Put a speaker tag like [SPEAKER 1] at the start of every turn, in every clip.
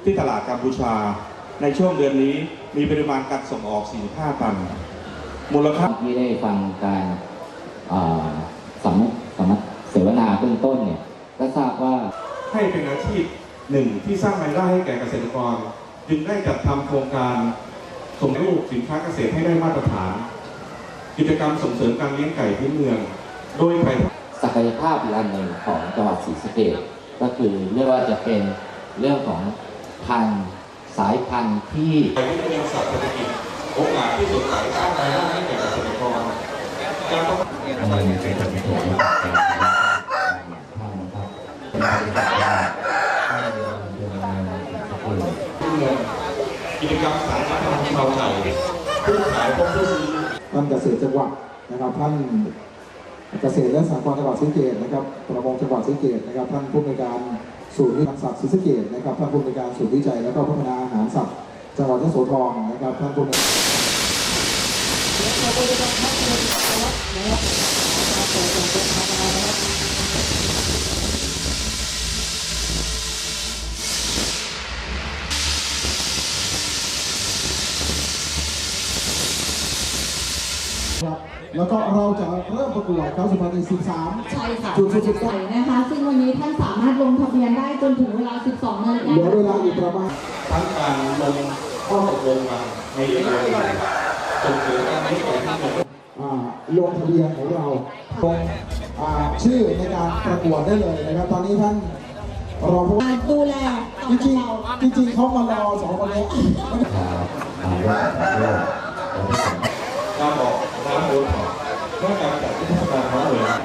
[SPEAKER 1] ที่ตลาดกัมพูชาในช่วงเดือนนี้มีปริมาณการส่งออก 45 ตันมูลค่า
[SPEAKER 2] ที่ได้ฟังการเสวนาเบื้องต้นเนี่ยก็ทราบว่า
[SPEAKER 1] ให้เป็นอาชีพหนึ่งที่สร้างรายได้ให้แก่เกษตรกรจึงได้จัดทำโครงการส่งรูปสินค้าเกษตรให้ได้มาตรฐานกิจกรรมส่งเสริมการเลี้ยงไก่พื้นเมืองโดยไก่
[SPEAKER 2] ศักยภาพอีกอันหนึ่งของจังหวัดศรีสะเกษก็คือเรียกว่าจะเป็นเรื่องของสายพันธุ์ที่
[SPEAKER 1] เป็นสัตว์เศรษฐกิจโอกาสที่สดใสสร้างรายได้ให้แก่เกษตรกรการต้องกิจกรรมสายพันธุ์ชาวไทยผู้ขายพบผู้ซื้อ
[SPEAKER 3] ท่านเกษตรจังหวัดนะครับท่านเกษตรและสหกรณ์จังหวัดศรีสะเกษนะครับประมงจังหวัดศรีสะเกษนะครับท่านผู้อำนวยการศูนย์วิจัยสัตว์ศรีสะเกษนะครับท่านผู้อำนวยการศูนย์วิจัยและก็พัฒนาอาหารสัตว์จังหวัดยโสธรนะครับท่านผู้แล้วก็เราจะเริ่มประกวดครับ2013
[SPEAKER 4] ใช่ค่ะจุดนะคะซึ่งวันนี้ท่านสามารถลงทะเบียนได้จนถึงเวลา 12 นาฬิกา
[SPEAKER 3] เหลือเวลาอีกประมาณ
[SPEAKER 1] ทั้งการลงข้อตกลงกันในเรื่องจนถึงการให้การที่
[SPEAKER 3] ลงทะเบียนของเราลงชื่อในการประกวดได้เลยนะครับตอนนี้ท่านรองผู้
[SPEAKER 4] ดูแล
[SPEAKER 3] จริงเขามารอสองคนนี้
[SPEAKER 1] การบอกร้านโดนเพื่อการจัดเทศกาลเขาเลย
[SPEAKER 2] และ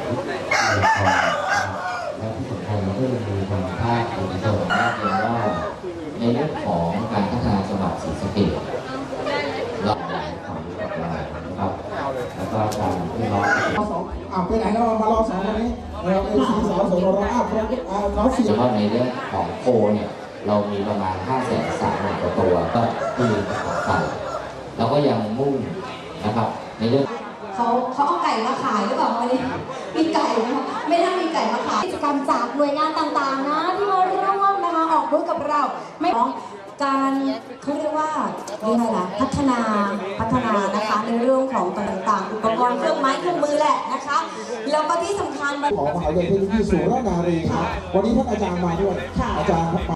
[SPEAKER 2] ที่สำคัญเราก็ยังมีทางภาคเอกชนมากเลยว่าในเรื่องของการพัฒนาจังหวัดศรีสะเกษเราความรู้กับเรานะครับแล้วก็การที่เรา
[SPEAKER 3] ไปไหนเรามารอสองคนนี้เราเป็นสีสาวสวยเราเราเสีย
[SPEAKER 2] เฉพาะในเรื่องของโคเนี่ยเรามีประมาณ 530,000 กว่าตัวก็คือของไก่เราก็ยังมุ่งนะครับในเรื่อง
[SPEAKER 4] เขาเอาไก่มาขายหรือเปล่าวันนี้มีไก่นะคะไม่ได้มีไก่มาขายกิจกรรมจากหน่วยงานต่างๆนะที่มาร่วมนะคะออกบูธกับเราไม่ของการเขาเรียกว่าอะไรล่ะพัฒนานะคะในเรื่องของต่างๆอุปกรณ์เครื่องไม้เครื่องมือแหละนะคะแล้วก็ที่สำคัญ
[SPEAKER 3] ของมหาวิทยาลัยเทคโนโลยีสุรานารีครับวันนี้ท่านอาจารย์มาด้วยอาจารย์